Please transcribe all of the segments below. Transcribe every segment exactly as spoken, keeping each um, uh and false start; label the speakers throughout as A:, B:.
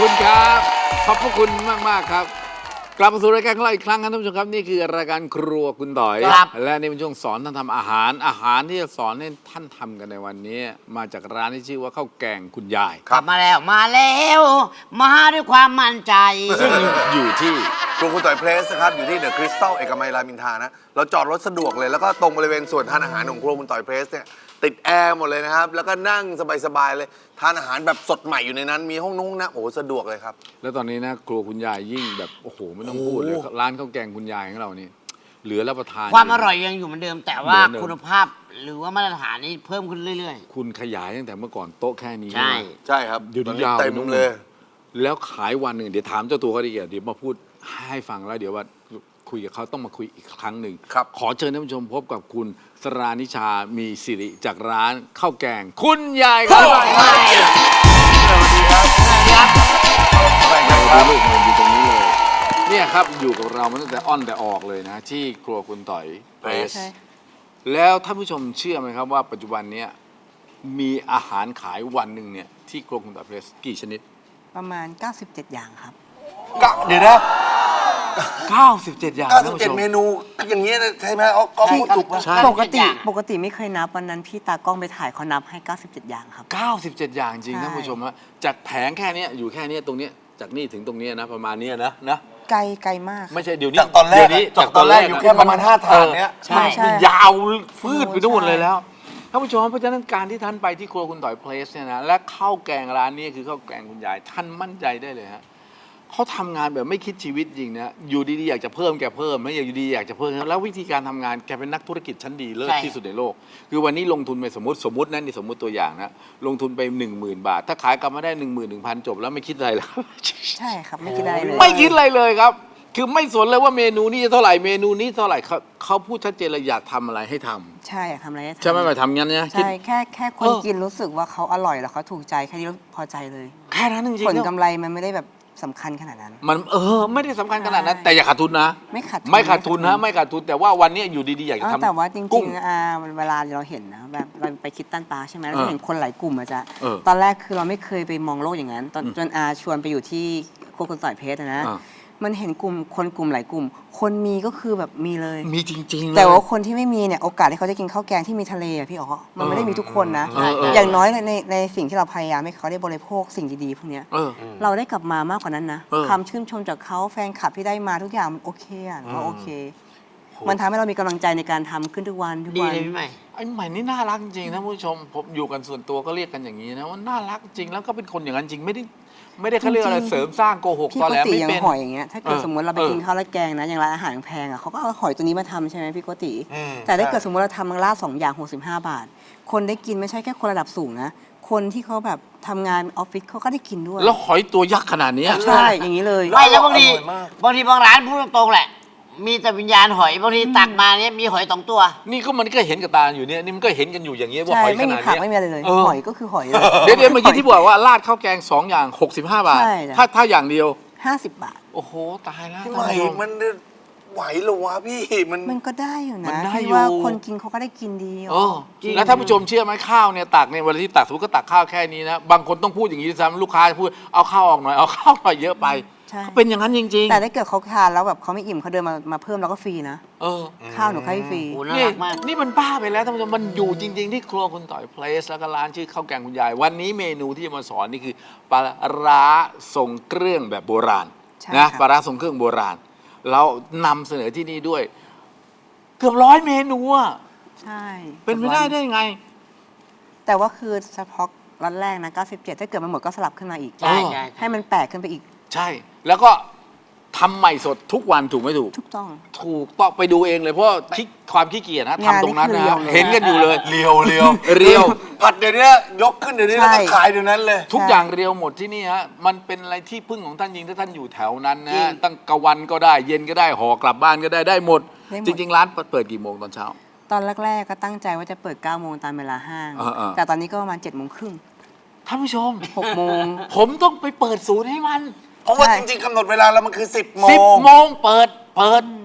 A: คุณครับขอบพระคุณมากมากครับกลับมาสู่รายการของเราอีกครั้งครับท่านผู้ชมครับนี่คือรายการครัวคุณต่อยและนี่เป็นช่วงสอนท่านทำอาหารอาหารที่จะสอนให้ท่านทำกันในวันนี้มาจากร้านที่ชื่อว่าข้าวแกงคุณยาย
B: กลับมาแล้วมาแล้วมาด้วยความมั่นใจ
A: ซึ่งอยู่ที่
C: ครัวคุณต่อยเพลสนะครับอยู่ที่เดอะคริสตัลเอกมัยรามอินทรานะเราจอดรถสะดวกเลยแล้วก็ตรงบริเวณส่วนทานอาหารของครัวคุณต่อยเพลสเนี่ยติดแอร์หมดเลยนะครับแล้วก็นั่งสบายๆเลยทานอาหารแบบสดใหม่อยู่ในนั้นมีห้องนุ่งนะโอ้สะดวกเลยครับ
A: แล้วตอนนี้นะครัวคุณยายยิ่งแบบโอ้โหไม่ต้องพูดเลยร้านข้าวแกงคุณยายของเรานี่เหลือรับประทาน
B: ความอร่อยยังอยู่เหมือนเดิมแต่ว่าคุณภาพหรือว่ามาตรฐานนี้เพิ่มขึ้นเรื่อย
A: ๆคุณขยายตั้งแต่เมื่อก่อนโต๊ะแค่นี้
B: ใช่
C: ใช่ครับ
A: เดี๋ยวนี้ยาว
C: เต็มเลย
A: แล้วขายวันหนึ่งเดี๋ยวถามเจ้าตัวเขาดีกว่าเดี๋ยวมาพูดให้ฟังแล้วเดี๋ยวว่าคุยกับเขาต้องมาคุยอีกครั้งหนึ่งขอเชิญท่านผู้ชมพบกับคุณสรานิชามีสิริจากร้านข้าวแกงคุณยายครับสวัสดีครับสวัสดีครับลูกมันอยู่ตรงนี้เลยเนี่ยครับอยู่กับเรามาตั้งแต่อ้อนแต่ออกเลยนะที่ครัวคุณต่อยเพรสแล้วท่านผู้ชมเชื่อไหมครับว่าปัจจุบันนี้มีอาหารขายวันหนึ่งเนี่ยที่ครัวคุณต่อยเพรสกี่ชนิด
D: ประมาณเก้าสิบเจ็ดอย่างครับ
C: เดี๋ยวนะ
A: เก้าสิบเจ็ดอย่าง
C: เก้าสิบเจ็ดเมนูอย่างเงี้ยใช่ไหมเอาก็พูดถูกป่ะ
D: ปกติปกติไม่เคยนับวันนั้นพี่ตากล้องไปถ่ายเขานับให้เก้าสิบเจ็ดอย่างครับ
A: เก้าสิบเจ็ดอย่างจริงท่านผู้ชมฮะจากแผงแค่นี้อยู่แค่นี้ตรงนี้จากนี่ถึงตรงนี้นะประมาณนี้นะนะ
D: ไกลไกลมาก
A: ไม่ใช่เดี๋ยวนี้
C: จากตอนแรกจากตอนแรกอยู่แค่ประมาณห้าถาดเนี้ย
A: ใช่ยาวฟืดไปนู่นเลยแล้วท่านผู้ชมเพราะฉะนั้นการที่ท่านไปที่ครัวคุณต่อยเพลสเนี่ยนะและข้าวแกงร้านนี้คือข้าวแกงคุณยายท่านมั่นใจได้เลยฮะเขาทำงานแบบไม่คิดชีวิตจริงนะอยู่ดีๆอยากจะเพิ่มแกเพิ่มไม่อยากอยู่ดีอยากจะเพิ่มแล้ววิธีการทำงานแกเป็นนักธุรกิจชั้นดีเลิศที่สุดในโลกคือวันนี้ลงทุนไปสมมติสมมตินั่นนี่สมมติตัวอย่างนะลงทุนไปหนึ่งหมื่นบาทถ้าขายกลับมาได้หนึ่งหมื่นหนึ่งพันจบแล้วไม่คิดอะไรแล้ว
D: ใช่ครับไม่คิดอะไรเลย
A: ไม่คิดอะไรเลยครับคือไม่สนเลยว่าเมนูนี้เท่าไหร่เมนูนี้เท่าไหร่เขาเขาพูดชัดเจนเลยอยากทำอะไรให้ทำ
D: ใช่ทำอะไรให้ทำ
A: ใช่ไหมไปทำงั้นเนี่ย
D: ใช่แค่แค่คนกินรู้สึกว่าเขาอร่อยแล้วเขาถูกใจแค่นี้พอใจเลย
A: แค่นั้นจริงๆ
D: ผลกำไรมันไม่ได้แบบสำคัญขนาดนั้น
A: มันเออไม่ได้สำคัญขนาดนั้นแต่อย่าขาดทุนนะ
D: ไม่ขาด
A: ไม่ขาดทุนนะไม่ขาดทุนแต่ว่าวันนี้อยู่ดีๆอยากจะทำ
D: แต่ว่าจริงๆอ่าเวลาเราเห็นนะแบบเราไปคิดตั้นปลาใช่ไหมเราเห็นคนหลายกลุ่มอาจจะตอนแรกคือเราไม่เคยไปมองโลกอย่างนั้นตอนจนอาชวนไปอยู่ที่ครัวคุณต่อยเพชรนะมันเห็นกลุ่มคนกลุ่มหลายกลุ่มคนมีก็คือแบบมีเลย
A: มีจริงๆ
D: แต่ว่าคนที่ไม่มีเนี่ยโอกาสที่เขาจะกินข้าวแกงที่มีทะเลอะพี่อ๋อมันไม่ได้มีทุกคนนะอย่างน้อยในในสิ่งที่เราพยายามให้เขาได้บริโภคสิ่งดีๆพวกนี้เราได้กลับมามากกว่านั้นนะคำชื่นชมจากเขาแฟนคลับที่ได้มาทุกอย่างมันโอเคอ่ะก็โอเคมันทำให้เรามีกำลังใจในการทำขึ้นทุกวันทุกวัน
B: ดีเลยพี่ใหม่
A: ไอ้ใหม่นี่น่ารักจริงท่านผู้ชมผมอยู่กันส่วนตัวก็เรียกกันอย่างนี้นะว่าน่ารักจริงแล้วก็เป็นคนอย่างนั้นจริงไม่ได้ไม่ได้เขาเรียกอะไรเสริมสร้างโกหกตอนแรกไม่เป็น
D: หอยอย่างเงี้ยถ้าเกิดสมมติเราไปกินข้าวราดแกงนะอย่างร้านอาหารแพงอ่ะเขาก็เอาหอยตัวนี้มาทำใช่ไหมพี่โกติแต่ถ้าเกิดสมมติเราทำมังลาดสองอย่างหกสิบห้าบาทคนได้กินไม่ใช่แค่คนระดับสูงนะคนที่เขาแบบทำงานออฟฟิศเขาก็ได้กินด้วย
A: แล้วหอยตัวยักษ์ขนาดนี้
D: ใช่อย่างนี้เลย
B: ไม่แล้วบางทีบางทีบางร้านพูดตรงๆแหละมีแต่วิญญาณหอยบางทีตักมาเนี่ยมีหอยสองตัว
A: นี่ก็มันก็เห็นกับตาอยู่เนี่ยนี่มันก็เห็นกันอยู่อย่างเงี้ยว่าหอยขนาดนี้
D: ไม่มีผักไม่มีอะไรเลยหอยก็คือหอย
A: เดี๋ยวเดี๋ยวเมื่อกี้ที่บอกว่าราดข้าวแกงสองอย่างหกสิบห้าบาทถ้าถ้าอย่างเดียว
D: ห้าสิบบาท
A: โอ้โหตายแล้ว
C: ทำไมมันไหวหรอวะพี่มัน
D: มันก็ได้อยู่นะที่ว่าคนกินเขาก็ได้กินดี
A: อ๋อแล้วท่านผู้ชมเชื่อไหมข้าวเนี่ยตักเนี่ยเวลาที่ตักสมมติก็ตักข้าวแค่นี้นะบางคนต้องพูดอย่างนี้ซ้ำลูกค้าพูดเอาข้าวออกหน่อยเอาข้าวหน่อยเยอะไปเขาเป็นอย่างนั้นจริงๆ
D: แต่ถ้าเกิดเขาทานแล้วแบบเขาไม่อิ่มเขาเดินมามาเพิ่มเราก็ฟรีนะเออข้าวหนูให้ฟรี
A: นี่นี่มันบ้าไปแล้วท่านผู้ชมมันอยู่จริงๆที่ครัวคุณต่อยเพลสแล้วก็ร้านชื่อข้าวแกงคุณยายวันนี้เมนูที่จะมาสอนนี่คือปลาร้าทรงเครื่องแบบโบราณนะปลาร้าทรงเครื่องโบราณเรานำเสนอที่นี่ด้วยเกือบร้อยเมนูอ่ะ
D: ใช่
A: เป็นไปได้ได้ไง
D: แต่ว่าคือเฉพาะร้านแรกนะเก้าสิบเจ็ดถ้าเกิดมันหมดก็สลับขึ้นมาอีก
B: ใช่
D: ให้มันแปลกขึ้นไปอีก
A: ใช่แล้วก็ทำใหม่สดทุกวันถูกไหมถูก
D: ถูกต้อง
A: ถูกต้องไปดูเองเลยเพราะความขี้เกียจนะทำตรงนั้นนะเห็นกันอยู่เลย
C: เรียวเรียว
A: เรียว
C: ผัดเดี๋ยวนี้ยกขึ้นเดี๋ยวนี้แล้วก็ขายเดี๋ยวนั้นเลย
A: ทุกอย่างเรียวหมดที่นี่ฮะมันเป็นอะไรที่พึ่งของท่านจริงถ้าท่านอยู่แถวนั้นนะตั้งกลางวันก็ได้เย็นก็ได้ห่อกลับบ้านก็ได้ได้หมดจริงๆร้านเปิดกี่โมงตอนเช้า
D: ตอนแรกๆก็ตั้งใจว่าจะเปิดเก้าโมงตามเวลาห้างแต่ตอนนี้ก็ประมาณเจ็ดโมงครึ่ง
A: ท่านผู้ชม
D: หกโมง
A: ผมต้องไปเปิดศูนย์ให้มัน
C: เพราะว่าจริงๆกำหนดเวลาแล้วมันคือสิบโมง
A: สิบโมงเปิดเปิด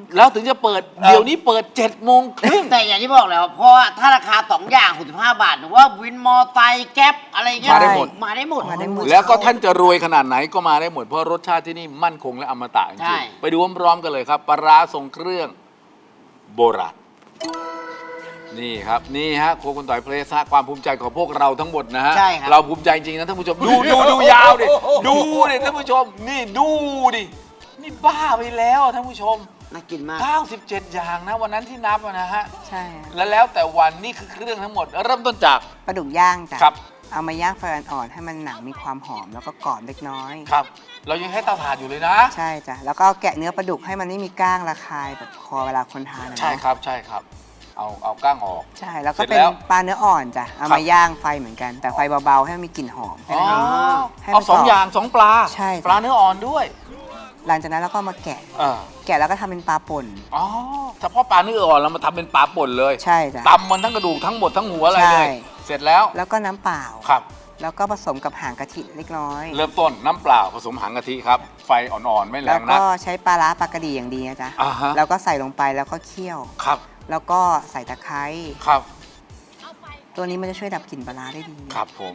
A: แล้วถึงจะเปิดเดี๋ยวนี้เปิดเจ็ดโมงครึ่ง
B: แต่อย่างที่บอกแล้วเพราะว่าถ้าราคาสองอย่างหกสิบห้าบาทหรือว่าวินมอไซค์แก๊ปอะไรเงี้ย
A: มาได้หมด
B: มาได้หมด
D: มาได้หมด
A: แล้วก็ท่านจะรวยขนาดไหนก็มาได้หมดเพราะรสชาติที่นี่มั่นคงและอมตะจ
B: ใช่
A: ริงๆไปดูพร้อมๆกันเลยครับปลาร้าทรงเครื่องโบราณนี่ครับนี่ฮะโครัวคุณต่อยเพลสฮะความภูมิใจของพวกเราทั้งหมดนะฮะ
B: ใช่ครับ
A: เราภูมิใจจริงนะท่านผู้ชมดูดูดูยาวดิดูดิท่านผู้ชมนี่ดูดินี่บ้าไปแล้วท่านผู้ชม
B: น่ากินมาก
A: เก้าสิบเจ็ดอย่างนะวันนั้นที่นับอะนะฮะ
D: ใช่อะ
A: แล้วแล้วแต่วันนี่คือเครื่องทั้งหมด เริ่มต้นจาก
D: ปลาดุกย่างจ้ะ
A: ครับ
D: เอามาย่างไฟอ่อนๆให้มันหนังมีความหอมแล้วก็กรอบเล็กน้อย
A: ครับ เรายังให้เตาถ่านอยู่เลยนะ
D: ใช่จ้ะแล้วก็เอาแกะเนื้อปลาดุกให้มันไม่มีก้างระคายแบบคอเวลาคนทานอะเนอะ
A: ใช่ครับใช่ครับ เอาเอาก้างออก
D: ใช่แล้วก็
A: เสร็จ
D: เป็น
A: แล้ว
D: ปลาเนื้ออ่อนจ้ะเอา
A: ครั
D: มา
A: บ
D: ย่างไฟเหมือนกัน แต่ไฟเบาๆให้มันมีกลิ่นหอม
A: อ๋อ
D: ให้
A: เอา
D: มัน
A: สอง
D: กรบ
A: อย่างสองปลา
D: ใช่จ้ะ
A: ปลาเนื้ออ่อนด้วย
D: หลังจากนั้นเราก็เอามาแกะ
A: เออ
D: แกะแล้วก็ทำเป็นปลาป่น
A: อ๋อเฉพาะปลาเนื้ออ่อนเรามาทำเป็นปลาป่นเลย
D: ใช่จ้ะ
A: ตำมันทั้งกระดูกทั้งหมดทั้งหัวอะไรเลย
D: ใช่
A: เสร็จแล้ว
D: แล้วก็น้ำเปล่า
A: ครับ
D: แล้วก็ผสมกับหางกะทิเล็กน้อย
A: เริ่มต้นน้ำเปล่าผสมหางกะทิครับ ไฟอ่อนๆไม่แร
D: แล้ว
A: งนั
D: ก็
A: ก
D: ใช้ปลาร้าปลากระดีอย่างดีนะจ๊ะ
A: อ่าฮะ
D: แล้วก็ใส่ลงไปแล้วก็เคี่ยว
A: ครับ
D: แล้วก็ใส่ตะไคร้
A: ครับ
D: ตัวนี้มันจะช่วยดับกลิ่นปลาร้าได้ดี
A: ครับผม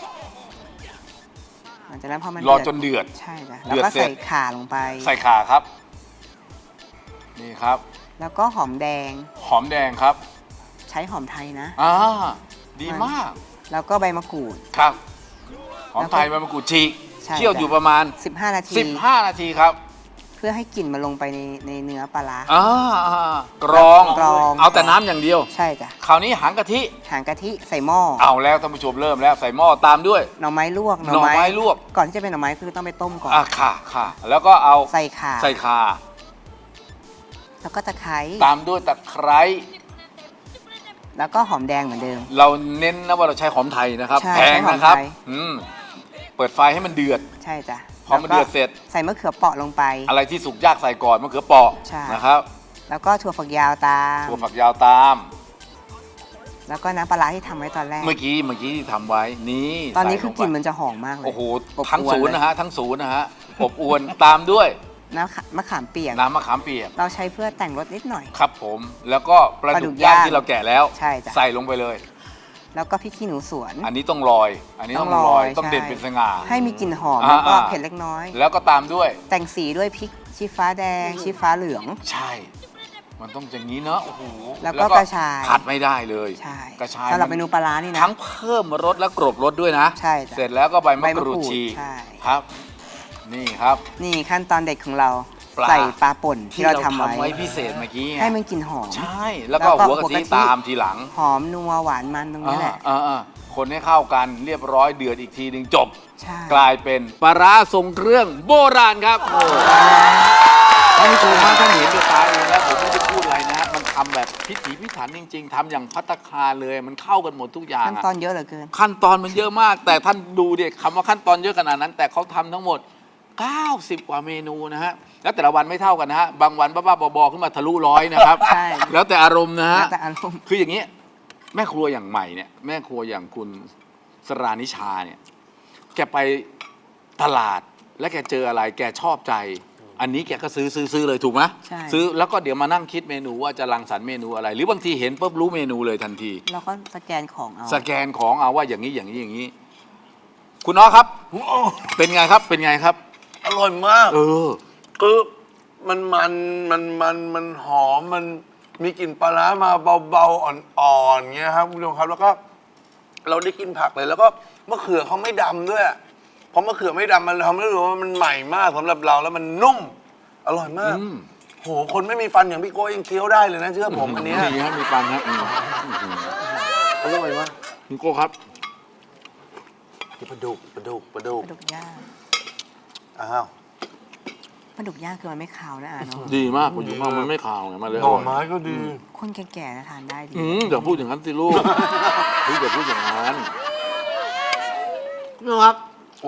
D: หลังจากนั้นพอมัน
A: รอ
D: เดื
A: จนเดือด
D: ใช่จ้ะ
A: เดื
D: แล้ว
A: อด
D: ก็
A: เสร็จ
D: ใส่ข่าลงไป
A: ใส่ข่าครับ นี่ครับ
D: แล้วก็หอมแดง
A: หอมแดงครับ
D: ใช้หอมไทยนะ
A: อ่าดีมาก
D: แล้วก็ใบมะกรูด
A: ครับ หอม
D: แล้วก็
A: ไทยใบมะกรูดฉีก
D: ใช่
A: เคี่ยว
D: จ้ะ
A: อยู่ประมาณ
D: สิบห้า นาที
A: 15 นาทีครับ
D: เพื่อให้กลิ่นมันลงไปในในเนื้อปลาร้า
A: อ่าอ่ากรอง
D: กรอง
A: เอาแต่น้ำอย่างเดียว
D: ใช่จ้ะ
A: คราวนี้หางกะทิ
D: หางกะทิใส่หม้อ
A: เอาแล้วท่านผู้ชมเริ่มแล้วใส่หม้อตามด้วย
D: หน่อไม้ลวก
A: หน่อไม้ลวก
D: ก่อนที่จะเป็นหน่อไม้คือต้องไปต้มก่อน
A: อ่าค่ะค่ะแล้วก็เอา
D: ใส่ข่า
A: ใส่ข่า
D: แล้วก็ตะไคร้
A: ตามด้วยตะไคร้
D: แล้วก็หอมแดงเหมือนเดิม
A: เราเน้นนะว่าเราใช้หอมไทยนะครับ
D: ใช่
A: แพงนะครับ
D: ใช้หอมไทย
A: อืมเปิดไฟให้มันเดือด
D: ใช่จ้ะ
A: พอมันเดือดเสร็จ
D: ใส่มะเขือเปราะลงไป
A: อะไรที่สุกยากใส่ก่อนมะเขือเปราะ
D: ใช่
A: นะครับ
D: แล้วก็ถั่วฝักยาวตาม
A: ถั่วฝักยาวตาม
D: แล้วก็น้ำปลาร้าที่ทำไว้ตอนแรก
A: เมื่อกี้เมื่อกี้ที่ทำไว้นี่
D: ตอนนี้
A: ใส่
D: คือกลิ่นมันจะหอมมากเลย
A: โอ้โห
D: อบ
A: ทั้ง
D: อว
A: ศูนย์
D: เลย
A: นะฮะทั้งศูนย์นะฮะอบอวนตามด้วย
D: น้ำขะมะขามเปียก
A: น้ำมะขามเปียก
D: เราใช้เพื่อแต่งรสนิดหน่อย
A: ครับผม แล้วก็ปลา
D: ปลาดุ
A: ดุก
D: ก
A: ย่าง
D: ย่าง
A: ที่เราแกะแล้ว
D: ใช่จ้ะ
A: ใส่ลงไปเลย
D: แล้วก็พริกขี้หนูสวน
A: อันนี้ต้องลอย อันนี้ต้องลอยต้องเด่นเป็นสง่า
D: ให้มีกลิ่นหอม
A: อ่า
D: แล้วก็
A: อ่า
D: เผ็ดเล็กน้อย
A: แล้วก็ตามด้วย
D: แต่งสีด้วยพริกชี้ฟ้าแดง ชี้ฟ้าเหลือง
A: ใช่ มันต้องอย่างนี้เนอะโอ้โห
D: แล้วก็กระชาย
A: ขาดไม่ได้เลย
D: ใช่
A: กระชาย
D: สำหรับเมนูปลาร้านี่นะ
A: ทั้งเพิ่มรสและกรบรสด้วยนะ
D: ใช่จ้ะ
A: เสร็จแล้วก็ใบมะ
D: ใบ
A: ก
D: มะกรู
A: รูด
D: ด
A: ชี
D: ใช่
A: ครับ นี่ครับ
D: นี่ขั้นตอนเด็ดของเรา
A: ปลา
D: ใส่ปลาป่นที่เราทำไว้
A: ไว้พิเศษเมื่อกี้ไง
D: ให้มันกลิ่นหอม
A: ใช่ แล้วก็
D: แล้วก็
A: หัวกะ
D: หัว
A: ทิ
D: กะทิ
A: ตามทีหลัง
D: หอมนัวหวานมันตรงนี้แหละ
A: อ่าอ่าคนให้เข้ากันเรียบร้อยเดือดอีกทีหนึ่งจบ
D: ใช่
A: กลายเป็นปลาร้าทรงเครื่องโบราณครับท่านผู้ชมฮะท่านเห็นด้วยตาเองแล้วผมไม่ได้พูดอะไรนะฮะมันทำแบบพิถีพิถันจริง ๆทำอย่างภัตตาคารเลยมันเข้ากันหมดทุกอย่าง
D: ขั้น
A: อะ
D: ตอนเยอะเหลือเกิน
A: ขั้นตอนมันเยอะมาก แต่ท่านดูดิคำว่าขั้นตอนเยอะขนาดนั้น แต่เขาทำทั้งหมด เก้าสิบ กว่าเมนูนะฮะแล้วแต่ละวันไม่เท่ากันนะฮะบางวันบ้าๆบอๆขึ้นมาทะลุร้อยนะครับ
D: ใช่
A: แล้วแต่อารมณ์นะฮะ
D: แล้วแต่อารมณ์
A: คืออย่างนี้แม่ครัวอย่างใหม่เนี่ยแม่ครัวอย่างคุณสรานิชาเนี่ยแกไปตลาดแล้วแกเจออะไร แกชอบใจ อันนี้แกก็ซื้อซื้อซื้อเลยถูกไหม
D: ใช่
A: ซื้อแล้วก็เดี๋ยวมานั่งคิดเมนูว่าจะรังสรรค์เมนูอะไร หรือบางทีเห็นปุ๊บรู้เมนูเลยทันที
D: เราก็สแกนของเอา
A: สแกนของเอาว่าอย่างนี้อย่างนี้อย่างนี้ คุณน้อครับ เป็นไงครับเป็นไงครับ
C: อร่อยมาก
A: เออ
C: คือมันมันมันมันมันหอมมันมีกลิ่นปลาร้ามาเบาๆอ่อนๆเงี้ยครับคุณผู้ชมครับแล้วก็ เราได้กินผักเลยแล้วก็มะเขือเขาไม่ดำด้วยเพราะมะเขือไม่ดำมันทำให้รู้ว่ามันใหม่มากสำหรับเราแล้วมันนุ่ม อร่อยมาก
A: อืม
C: โหคนไม่มีฟันอย่างพี่โก้ยังเคี้ยวได้เลยนะเชื่อผมอันเนี้ย
A: มีครับมีฟันครับอืม
C: อร่อยมาก
A: คุณโก้ครับ
C: ปลาดุกปลาดุกปลาดุก
D: ปลาดุกย่าง
C: อ้าว
D: ปลาดุกย่างคือมันไม่คาวนะอ่ะเนาะ
A: ดีมากคุณอยู่มากมันไม่ขาวไงมันเลย
C: หน่อ
A: ร่ย
C: ไม้ก็ดี
D: คนแก่ๆนะทานได้ดี
A: อืมอย่าพูดอย่างนั้นสิลูกพี่อย่าพูดอย่างนั้น
B: คุณผู้ชมครับ
C: โอ้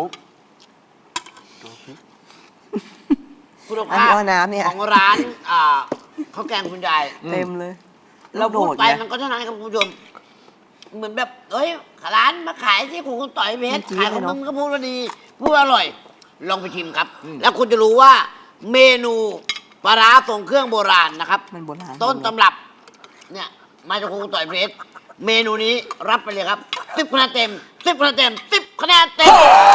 B: คุณ
D: อัน
B: ภา
D: นี้
B: พ
D: เอาน้ำเนี่ย
B: ของร้านอ่าข้าวแกงคุณยาย
D: เต็มเลย
B: เราพูดไป
D: โด
B: มัน
D: ไง
B: ก็เท่านั้นครับคุณผู้ชม เหมือนแบบเอ้ยร้านมาขายที่ของคุณต่อยเพชร
D: จริงๆ
B: ขายของ
D: เลยเน
B: มึ
D: อะ
B: งก็พูดว่าดี พูดว่าอร่อย ลองไปชิมครับ แล้วคุณจะรู้ว่าเมนูปปลาร้าทรงเครื่องโบราณนะครับ
D: มันโบราณ
B: ต้นตำรับเนี่ยมาจากครูต่อยเพลสเมนูนี้รับไปเลยครับสิบคะแนนเต็มสิบคะแนนเต็มสิบคะแนนเต็ม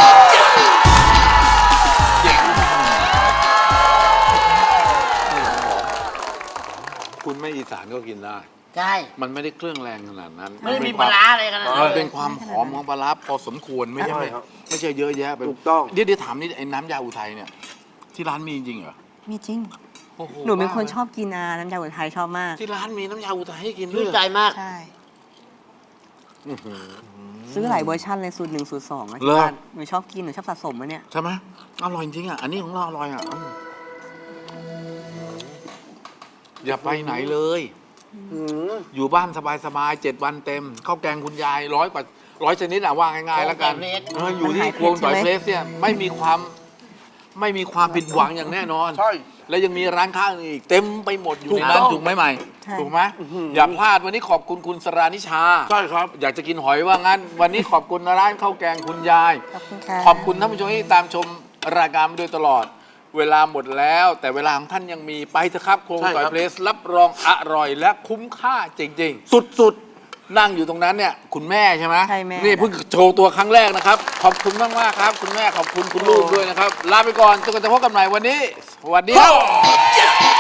A: คุณไม่อีสานก็กินได้
B: ใช่
A: มันไม่ได้เครื่องแรงขนาดนั้น
B: ไม่ได้มีปลาร้าอะไรขนาดนั้น
A: มันเป็นความหอมของปลาร้าพอสมควรไม่ใช่ไม่ไม่ใช่เยอะแยะไป
C: ถูกต้อง
A: เดี๋ยวเดี๋ยวถามนี่ไอ้น้ำยาอุทัยเนี่ย ที่ร้านมีจริงเหรอ
D: มีจริง
A: โอ้โ
D: หนูเป็นคนชอบกินอาน้ำยาอุทัยชอบมาก
A: ที่ร้านมีน้ำยาอุทัยให้กินด้
B: ชื่
A: วน ย
B: ใจมาก
D: ใช่ ซื้อหลายเวอร์ชันเลยสูตรหนึ่งสูตรสองอะ
A: เหรอ
D: ที่บ้านหนูชอบกินหนูชอบสะสมอะเนี่ย
A: ใช่ไหมอร่อยจริงอ่ะ อันนี้ของเราอร่อยอ่ะอืมอย่าไปไหนเลย อยู่บ้านสบายๆเจ็ดวันเต็มข้าวแกงคุณยายร้อยกว่าร้อยชนิดอ่ะว่าง่ายๆแล้วกัน
B: ข้าวแกงเพลส
A: เอออยู่ที่ครัวต่อยเพลสเนี่ยไม่มีความไม่มีความผิดหวังอย่างแน่นอน
C: ใช่
A: แล้วยังมีร้านค้าอื่นอีกเต็มไปหมดอยู่ในนั้น
C: ถูกต้อง
A: ถูกไหมใหม่
D: ใช่
A: ถูกไหมอย่าพลาดวันนี้ขอบคุณคุณสรานิชา
C: ใช่ครับ
A: อยากจะกินหอยว่างั้น วันนี้ขอบคุณร้านข้าวแกงคุณยาย
D: ขอบคุณค่ะ
A: ขอบคุณท่านผู้ชมที่ตามชมรายการมาโดยตลอด เวลาหมดแล้ว แต่เวลาของท่านยังมีไปเถอะครับโครง
C: ใช่ครับ
A: ต่อยเพลสรับรองอร่อยและคุ้มค่าจริง
C: สุด
A: ๆ นั่งอยู่ตรงนั้นเนี่ยคุณแม่ใช่ไหม
D: ใช่แม่
A: นี่เพิ่งโชว์ตัวครั้งแรกนะครับ ขอบคุณมากมากๆครับ คุณแม่ขอบคุณคุณลูกด้วยนะครับ ลาไปก่อนจนกว่าจะพบกันใหม่วันนี้สวัสดีครับ